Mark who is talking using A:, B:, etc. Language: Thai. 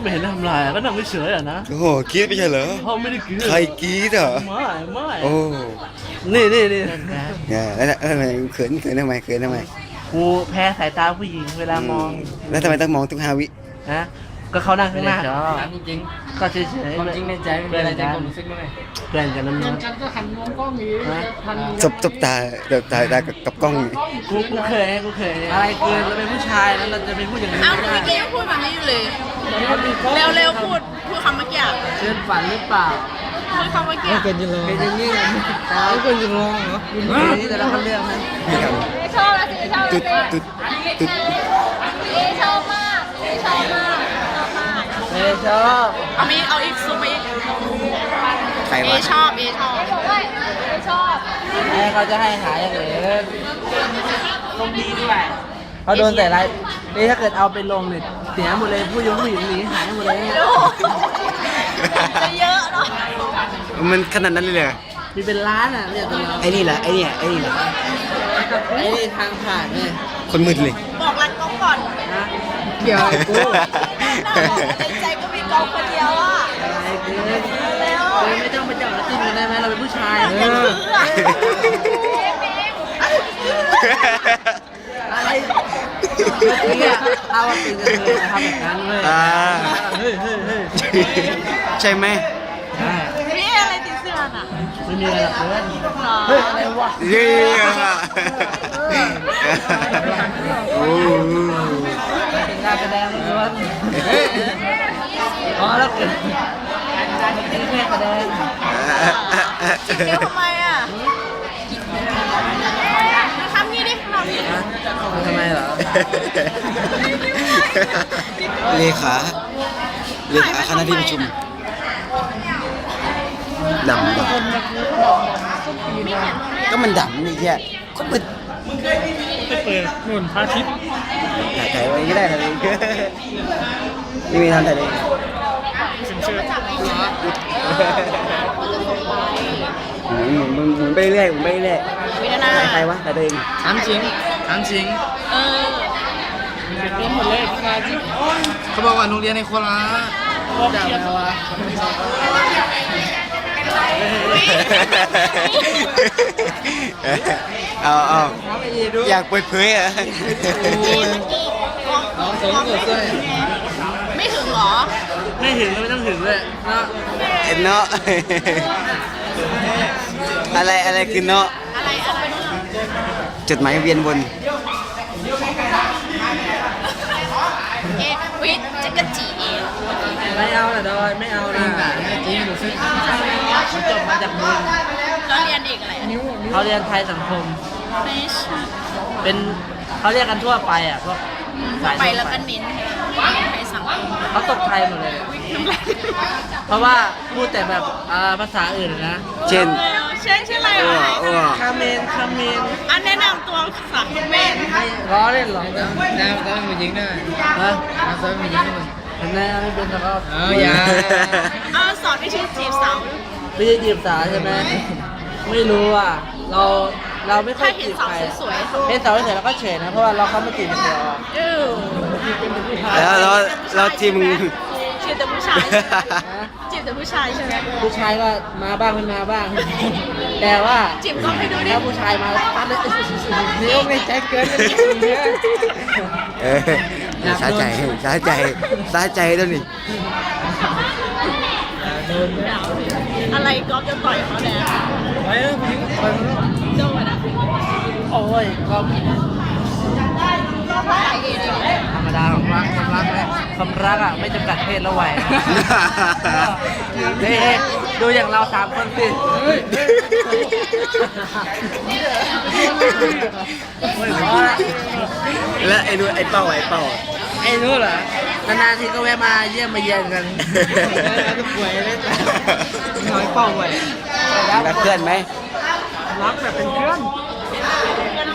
A: ไม่เห็นทำลายก็นั่งเฉยๆอ่ะนะ
B: โอ้โหกรี๊ดไม่ใช่เหรอ
A: เขาไม่ได้กรี๊ด
B: ใครกรี๊ดเหรอ
A: ไม่
B: โอ้
A: นี่เนี่ย
B: เนี่ยแล้วทำไมเขินทำไม
A: กูแพ้สายตาผู้หญิงเวลามอง
B: แล้วทำไมต้องมองทุก5 วิ
A: นะก็เขานั่งข้างหน้า
C: ถามจริง
A: ก็เฉย
C: ๆความจริงในใจไม่มีอะไรใจความรู้สึกไหม
A: เพื่อนกันน้ำ
D: เงิ
A: มัน
D: นกันก็หันมองกล้องอย่างนี้ทัน
B: จบตากับกล้องนี่
A: กูเคยอะไรเกินเราเป็นผู้ชายแล้วเราจะเป็นผู้หญิงไม่
E: อ้าว
A: ได้
E: เมื่อกี้ยังพูดแบบนี้อยู่เลย เร็วๆพูดคำเมื่อกี้อะ
A: เกินฝันหรือเปล่า
E: พูดคำเมื่อกี้อะ
C: เป็นจะลอง
A: เป็นอย่างนี้เลยไม่ควรจะลองเหรอนี่แต่ละคนเลือกนะ
B: นี่ครับ
E: ชอบแล้วสิชอบ
B: ตุ๊ดตุ๊ด
E: ชอบมากชอบมาก
A: ชอบ
E: เอาอีกซูมไปอีก
B: ใคร
E: เอ
B: วะ
E: ชอบชอบ
A: ให้เขาจะให้หายอย่างอื่นต้องดีด้วยเขาโดนแต่ไรนี่ถ้าเกิดเอาไปลงเนี่ยเสียหมดเลยผู้หญิงหนีหายหมดเลย
E: จะเยอะเนาะ
B: มันขนาดนั้นเลยเหรอ
A: มีเป็นล้านอ่ะเนี่ยตัวเรา
B: ไอ้นี่เหรอไอ้นี่เหรอ
A: ไอ้นี่ทางผ่านเนี่ย
B: คนมืดเลย
E: บอกรักกล้องก่อน
A: นะเกี่ยวกับกู
E: ในใจก็มีกล้องคนเดียวอ่ะ
A: อะไรกู
E: เร็ว
A: ไม่ต้องไปจับแล้วจิ้มกันได้ไหมเราเป็นผู้ชาย
E: อยากซื้ออะ
A: อะไรเมื่อกี้อะถ้าว่าตีกันเลยทำแบบนั้นเลย
B: อ่า
A: เฮ้ย
B: ใช่ไหม
A: ใช่
E: นี่อะไรติดเสื้อน่ะ
A: ไม่มีอะไรหรอกเพื่อน
E: หรอ
A: เฮ้ยอะไรวะ
B: เย้โอ้โห
A: เป็นการแสดงล้วนอ๋อแล้วเกิดเป็นแค่แสดง
E: เดี๋ยวทำไมอ่ะทำนี่ดิทำนี่
A: ทำไมเหรอ
B: เลขาคณะที่ประชุมดำก็มันดำนี่แค่ก็มัน
D: ไปเปิดนุ่นพระอาทิตย์
B: ถ่ายไว้ก็ได้เลยนี่มีทำแต่เลย หมุนไปเรื่อยหมุนไปเรื่อย
E: วินา
B: ถ่ายใครวะถ่ายตัวเอง
C: ถามจริง
E: เออ
D: เป็นหมดเลยพระอาทิตย์
C: เขาบอกว่าโรงเรียนในโคราช
A: ด่าแล้ววะ
B: เอาอยากเปิดเผยอ่ะ
C: น้องสมกับด้วย
E: ไม่ถึงเหรอ
A: ไม่ถึงก็ไม่ต้องถึงเลยเนาะ
B: เห็นเนาะอะไรคือเนาะ
E: อะไร
B: จดหมายเวียนวน
E: วิจะกระจีเอง
A: ไม่เอานะดอยไม่เอานะ
C: จริงรู้สึก
A: เขาจบมาจากมึง
E: เราเรียนเอกอะไรอะ
A: เขาเรียนไทยสังคม
E: ไม่ใช่
A: เป็นเขาเรียกกันทั่วไปอ่ะพวกสาย
E: ไป
A: ทั่ว
E: แล้วก็เน้นไปสังคม
A: เขาตกไทยหมดเลย เพราะว่าพูดแต่แบบภาษาอื่นนะ
B: เช่น
E: เช่นอะไร
B: อ้ว
E: อ่ะ
B: อ้ว
A: คาเมน
E: อันแนะนำตัวภาษาเขมร
A: ไม่ล้อเล่นหรอกนะ
C: น้ำต้องมียิงด้วย
A: ฮะ
C: น้ำต้องมียิงด้วย
A: เห็นไหมไม่เป็นแล้วก็
C: อย่า
E: เอาสอนวิธีจีบสาว
A: ไม่ได้จีบสาวใช่ไหมไม่รู้อ่ะเราไม่ค่อ
E: ถ้าย เห็น
A: จีบ
E: สาว
A: ใคร
E: สวย
A: เห็นสาวสวยเราก็เฉยนะเพราะว่าเราเข้ามาจีบอย่างเดียวอะ
E: ๆ
B: แล้วที่มึง
E: จีบแต่ผู้ชายจีบแต่ผู้ชายใช่ไหม
A: ผู้ชายก็มาบ้างไม่มาบ้าง แต่ว่า
E: จีบก็ให้ดูดิ
A: ถ้าผู้ชายมาตัดเลยเดี๋ยวไม่ใจเกินไปเนี่ย
B: สาใจแล้วนี่
E: อะไรก๊อฟจะต่อยเขาเนี่ย
A: ไปเลยผู้หญิงไปเลย
E: โดนอ่ะ
A: โอ้ยก็
E: ก็เพราะใส่เองเลย
A: ธรรมดาของรักความรักนะความรักอ่ะไม่จำกัดเพศและวัยนะเฮ้ยดูอย่างเราสามคนสิไม่พอละ
B: แล้วไอ้เป้า
A: ไอ้นู้นเหรอนานๆทีก็แวะมาเยี่ยมมาเยียนกันจะป่วยเล่นน้อยเป้าไว้
B: รักเพื่อนไหม
A: รักแบบเป็นเพื่อน